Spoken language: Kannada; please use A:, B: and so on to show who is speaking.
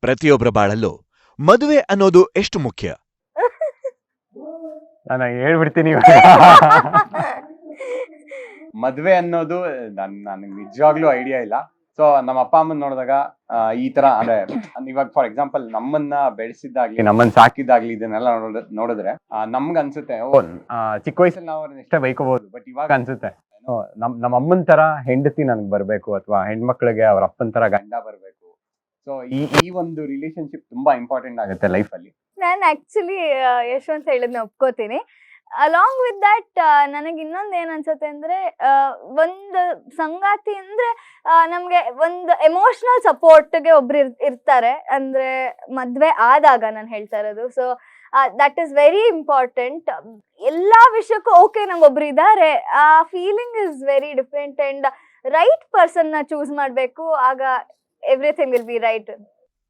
A: ಪ್ರತಿಯೊಬ್ಬರ ಬಾಳಲ್ಲೂ ಮದುವೆ ಅನ್ನೋದು ಎಷ್ಟು ಮುಖ್ಯ?
B: ನಾನು ಹೇಳ್ಬಿಡ್ತೀನಿ ಮದ್ವೆ ಅನ್ನೋದು ನನಗೆ ನಿಜವಾಗ್ಲೂ ಐಡಿಯಾ ಇಲ್ಲ. ಸೊ ನಮ್ಮ ಅಪ್ಪ ಅಮ್ಮನ್ ನೋಡಿದಾಗ ಈ ತರ ಅಂದ್ರೆ ಇವಾಗ ಫಾರ್ ಎಕ್ಸಾಂಪಲ್ ನಮ್ಮನ್ನ ಬೆಳೆಸಿದ್ದಾಗ್ಲಿ ನಮ್ಮನ್ನ ಸಾಕಿದ್ದಾಗ್ಲಿ ಇದನ್ನೆಲ್ಲ ನೋಡಿದ್ರೆ ನಮ್ಗ್ ಅನ್ಸುತ್ತೆ ಚಿಕ್ಕ ವಯಸ್ಸಲ್ಲಿ ನಾವು ಅವ್ರನ್ನ ಇಷ್ಟ ಬೈಕೋಬಹುದು, ಬಟ್ ಇವಾಗ ಅನ್ಸುತ್ತೆ ನಮ್ಮ ಅಮ್ಮನ್ ತರ ಹೆಂಡತಿ ನನಗ್ ಬರ್ಬೇಕು ಅಥವಾ ಹೆಣ್ಮಕ್ಳಿಗೆ ಅವ್ರ ಅಪ್ಪನ್ ತರ ಗಂಡ ಬರ್ಬೇಕು. ಸೊ ಈ ಒಂದು ರಿಲೇಶನ್ಶಿಪ್ ತುಂಬಾ ಇಂಪಾರ್ಟೆಂಟ್ ಆಗುತ್ತೆ ಲೈಫ್ ಅಲ್ಲಿ.
C: ನಾನು ಆಕ್ಚುಲಿ ಯಶವಂತ್ ಹೇಳಿದ್ನ ಒಪ್ಕೋತೀನಿ. ಅಲಾಂಗ್ ವಿತ್ ದಟ್ ನನಗೆ ಇನ್ನೊಂದು ಏನ್ ಅನ್ಸುತ್ತೆ ಅಂದ್ರೆ ಒಂದು ಸಂಗಾತಿ ಅಂದ್ರೆ ನಮ್ಗೆ ಒಂದು ಎಮೋಷನಲ್ ಸಪೋರ್ಟ್ಗೆ ಒಬ್ರು ಇರ್ತಾರೆ. ಅಂದ್ರೆ ಮದ್ವೆ ಆದಾಗ ನಾನು ಹೇಳ್ತಾ ಇರೋದು. So that is very important. ಎಲ್ಲಾ ವಿಷಯಕ್ಕೂ ಓಕೆ ನಂಗೊಬ್ರು ಇದ್ದಾರೆ, ಆ feeling is very different. And right person ನ ಚೂಸ್ ಮಾಡ್ಬೇಕು, ಆಗ ಎವ್ರಿಥಿಂಗ್ ವಿಲ್ ಬಿ ರೈಟ್.